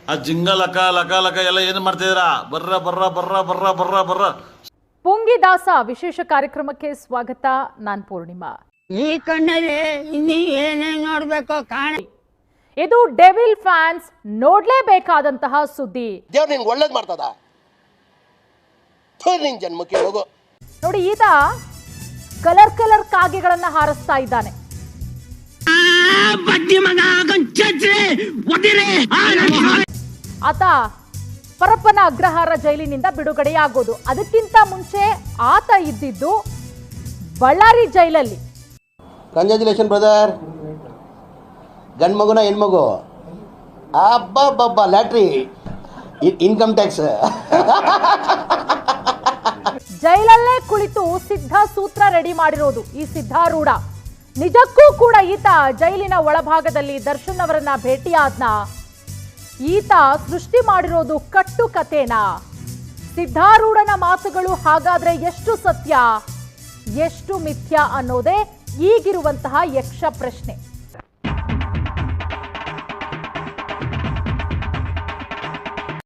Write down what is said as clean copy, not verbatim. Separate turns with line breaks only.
ಆ ಜಿಂಗ ಲಕ ಲಕ ಲಕ ಎಲ್ಲ ಏನು ಮಾಡ್ತಿದ್ದೀರಾ? ಬರ್ರ ಬರ್ರ ಬರ್ರ ಬರ್ರ ಬರ್ರ ಬರ್ರ.
ಪುಂಗಿದಾಸ ವಿಶೇಷ ಕಾರ್ಯಕ್ರಮಕ್ಕೆ ಸ್ವಾಗತ. ನಾನ್ ಪೂರ್ಣಿಮಾ.
ಈ ಕಣ್ಣಲ್ಲಿ ಇನ್ನೀ ಏನೇನ್ ನೋಡ್ಬೇಕೋ ಕಾಣ.
ಇದು ಡೆವಿಲ್ ಫ್ಯಾನ್ಸ್ ನೋಡ್ಲೇಬೇಕಾದಂತಹ ಸುದ್ದಿ.
ದೇವ್ರು ನಿನ್ಗೆ ಒಳ್ಳೇದ್ ಮಾಡ್ತದ. ನಿನ್ ಜನ್ಮಕ್ಕೆ ಹೋಗು.
ನೋಡಿ, ಈತ ಕಲರ್ ಕಾಗೆಗಳನ್ನ ಹಾರಿಸ್ತಾ ಇದ್ದಾನೆ. ಆತ ಪರಪ್ಪನ ಅಗ್ರಹಾರ ಜೈಲಿನಿಂದ ಬಿಡುಗಡೆಯಾಗೋದು. ಅದಕ್ಕಿಂತ ಮುಂಚೆ ಆತ ಇದ್ದಿದ್ದು ಬಳ್ಳಾರಿ ಜೈಲಲ್ಲಿ.
Congratulation brother. ಗಂಡು ಮಗುನ ಹೆಣ್ಮಗು? ಅಬ್ಬಬ್ಬಬ್ಬ, ಲ್ಯಾಟ್ರಿ, ಇನ್ಕಮ್ ಟ್ಯಾಕ್ಸ್.
ಜೈಲಲ್ಲೇ ಕುಳಿತು ಸಿದ್ಧ ಸೂತ್ರ ರೆಡಿ ಮಾಡಿರೋದು ಈ ಸಿದ್ಧಾರೂಢ. ನಿಜಕ್ಕೂ ಕೂಡ ಈತ ಜೈಲಿನ ಒಳಭಾಗದಲ್ಲಿ ದರ್ಶನ್ ಅವರನ್ನ ಭೇಟಿಯಾದ್ನ? ಈತ ಸೃಷ್ಟಿ ಮಾಡಿರೋದು ಕಟ್ಟು ಕಥೆನಾ? ಸಿದ್ಧಾರೂಢನ ಮಾತುಗಳು ಹಾಗಾದ್ರೆ ಎಷ್ಟು ಸತ್ಯ, ಎಷ್ಟು ಮಿಥ್ಯ ಅನ್ನೋದೇ ಈಗಿರುವಂತಹ ಯಕ್ಷ ಪ್ರಶ್ನೆ.